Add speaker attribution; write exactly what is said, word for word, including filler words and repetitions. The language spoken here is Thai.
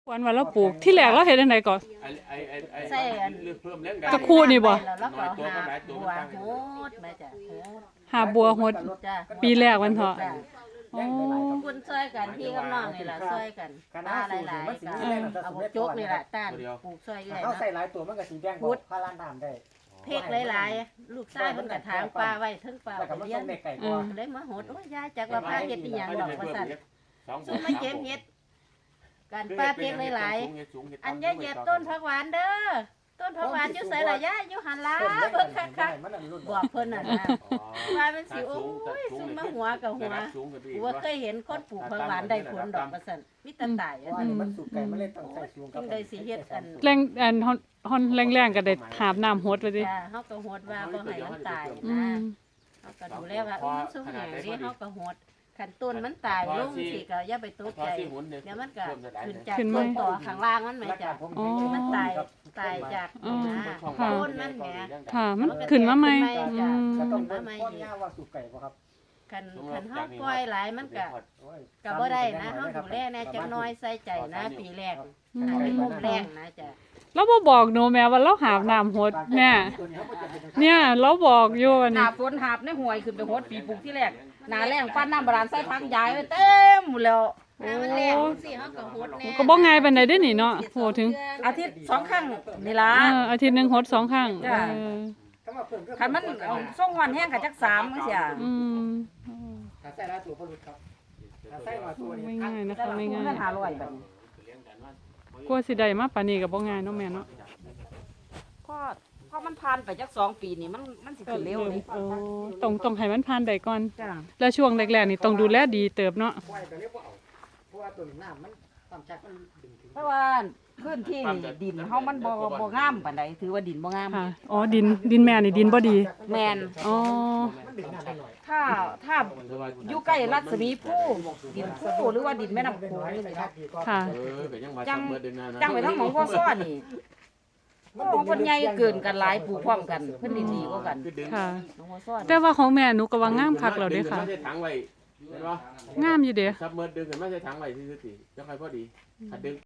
Speaker 1: วันวันเราปลูกที่แรกเราเฮ็ดจังไดก่อน
Speaker 2: ใส่อัน
Speaker 1: ตะคู่นี่บ่
Speaker 2: แล้วก็หาบัวโหดมาจ้ะโหด
Speaker 1: หาบัวหด
Speaker 2: จ้ะ
Speaker 1: ปีแรกวันเถาะ
Speaker 2: จ้ะ
Speaker 1: อ๋อ
Speaker 2: คุณช่วยกันพี่กับน้องนี่ล่ะช่วยกันตาหลายๆกันเอาบักจกนี่ล่ะต้านปลูกช่วยเอื้อย
Speaker 3: เขา
Speaker 2: เนาะ
Speaker 3: ใส่หลายตัวมันก็สิแบ่งบอกพาร้านน้ำได้
Speaker 2: เพกหลายๆลูกชายเพิ่นก็ถางปลาไว้เทิงปลา
Speaker 3: แล้วก็
Speaker 2: ไป
Speaker 3: มา
Speaker 2: เลี้ย
Speaker 3: ส่
Speaker 2: ง
Speaker 3: งแม่ไก่
Speaker 1: อื
Speaker 3: ก่อ
Speaker 1: ม
Speaker 3: น
Speaker 2: เลยมาโหดโอ้ยยายจักว่าพาเฮ็ดอีหยังดอกว่าซั่นซุมมาเก็บเฮ็ดกันปลาเพกหลายๆอันยายเหยียบต้นผักหวานเด้อต้นผักหวานอยู่ไสล่ะยายอยู่หั่นล่ะเบิ่งคักๆบอกเพิ่นน่ะนะว่ามันสิโอ้ยซุมมาหัวกับหัวกูว่าเคยเห็นคนปลูกผักหวานได้ผลดอกว่าซั่นมีแต่ตายอัน
Speaker 3: ว่า
Speaker 2: นั้น
Speaker 3: นี่มันสุกไก่มันเลยต้องใส่สูงกั
Speaker 2: กิ
Speaker 3: บ
Speaker 2: นได้สิเฮ็ดอัน
Speaker 1: แรงอันฮอนฮอนแรงๆก็ได้หาบน้ำหดไว้ดิ
Speaker 2: จ้าเฮาก็โหดว่าบ่ให้มันตาย
Speaker 1: อื
Speaker 2: นะ
Speaker 1: ม
Speaker 2: เฮาก็ดูแลว่าเออมันสุกแหงดิเฮาก็โหดคันต้นมันตายลงสิก็อย่าไปตกใจเดี๋ยวมันก็ขึ้นจากต้นต่อข้างล่างมันไหมจ้ะ
Speaker 1: อ๋อ
Speaker 2: มันตายตายจาก
Speaker 1: อ๋อ
Speaker 2: นะ
Speaker 1: ค่ะ
Speaker 2: ต้นมันแหม
Speaker 1: ค่ะมันขึ้นมาใหม่
Speaker 2: จ้ะ
Speaker 1: อืม
Speaker 3: ก็ต้องเป็นข้อย่าว่าสุกไก่บ่ครับ
Speaker 2: คันคันเฮาปล่อยหลายมันก็ก็บ่ได้นะเฮาดูแลแน่จักหน้อยใส่ใจนะปีแรก
Speaker 1: อื
Speaker 2: อัน
Speaker 1: ม
Speaker 2: นี้มุมแรงนะจ้ะ
Speaker 1: เราบ่บอกหนูแม่ว่าเราหาบน้ำหดแม่เนี่ยเราบอกอยู่ว่า
Speaker 4: ห
Speaker 1: นี่
Speaker 4: น้าฝนหาบในห้วยขึ้นไปโหดปีปลูกที่แรกหน้าแรงปั้นน้ำบาดาลใส่พักยายไว้เต็มหมดแล้ว
Speaker 2: ถ้ามันแรงสิเฮาก็โหดแน่
Speaker 1: ก็บ่ง่ายปานใดเด้อนี่เนาะโหถึง
Speaker 4: อาทิตย์สองครั้งนี่ล่ะ
Speaker 1: เอออาทิตย์หนึงหดสองครั้ง
Speaker 4: จ้ะ
Speaker 1: เออ
Speaker 4: คันมันเอาส่งหอนแห้งกับจักสามจังซี่
Speaker 1: อืม
Speaker 3: ถ้าใส่หลายตัวบ่รู้ครับถ้าใส่น้อยตัวนี่
Speaker 1: ไม่ง่ายนะ
Speaker 4: แต่
Speaker 1: คะ
Speaker 4: ละ
Speaker 1: ไม่
Speaker 4: คน
Speaker 1: ง่าย
Speaker 4: มันห้าร้อยบัดนี้
Speaker 1: กลัวสิได้มาปานนี้ก็บ่ง่ายเนาะแม่เนาะ
Speaker 4: พอพอมันผ่านไปจักสองปีนี่มันมันสิขึ้นเร็วนี่
Speaker 1: โอ้ต้องต้องให้มันผ่านได้ก่อน
Speaker 4: จ้ะ
Speaker 1: แล้วช่วงแรกๆนี่ต้องดูแลดีเติบเนาะ
Speaker 3: ปล่อยก็เรียกว่าเอาเพราะว่าตัวน้ำมันความชักมันดึงถึง
Speaker 4: เพราะว่าพื้นที่นี่ดินเฮามันบ่บ่งามปานใดถือว่าดินบ่งาม
Speaker 1: ค่ะอ๋อดินดินแม่นี่ดินบ่ดี
Speaker 4: แม่น
Speaker 1: อ๋อ
Speaker 3: มันดึงน้ำได้หน่อย
Speaker 4: ถ้าถ้าอยู่ใกล้รัศมีผู้ดินผู้หรือว่าดินแม่น้ำโขงนี่นะ
Speaker 1: ค่ะ
Speaker 4: จังจังไปทั้งหมองพ่อซ้อนี่โอ้เพิ่นใหญ่เกินกันหลายปลูกพร้อมกันเพิ่นดีๆกว่ากัน
Speaker 1: ค่ะ
Speaker 4: หลวงพ่อซ้อน
Speaker 1: แต่ว่าของแม่หนูก็ว่างามคักแล้วเด้ค่ะ
Speaker 5: ไม่ใช่ถังไว้เห็นปะ
Speaker 1: งามอยู่เด้
Speaker 5: ซับเมิดดึงขึ้นไม่ใช่ถังไว้ซื่อๆสิจะใครพอดีถ้าดึง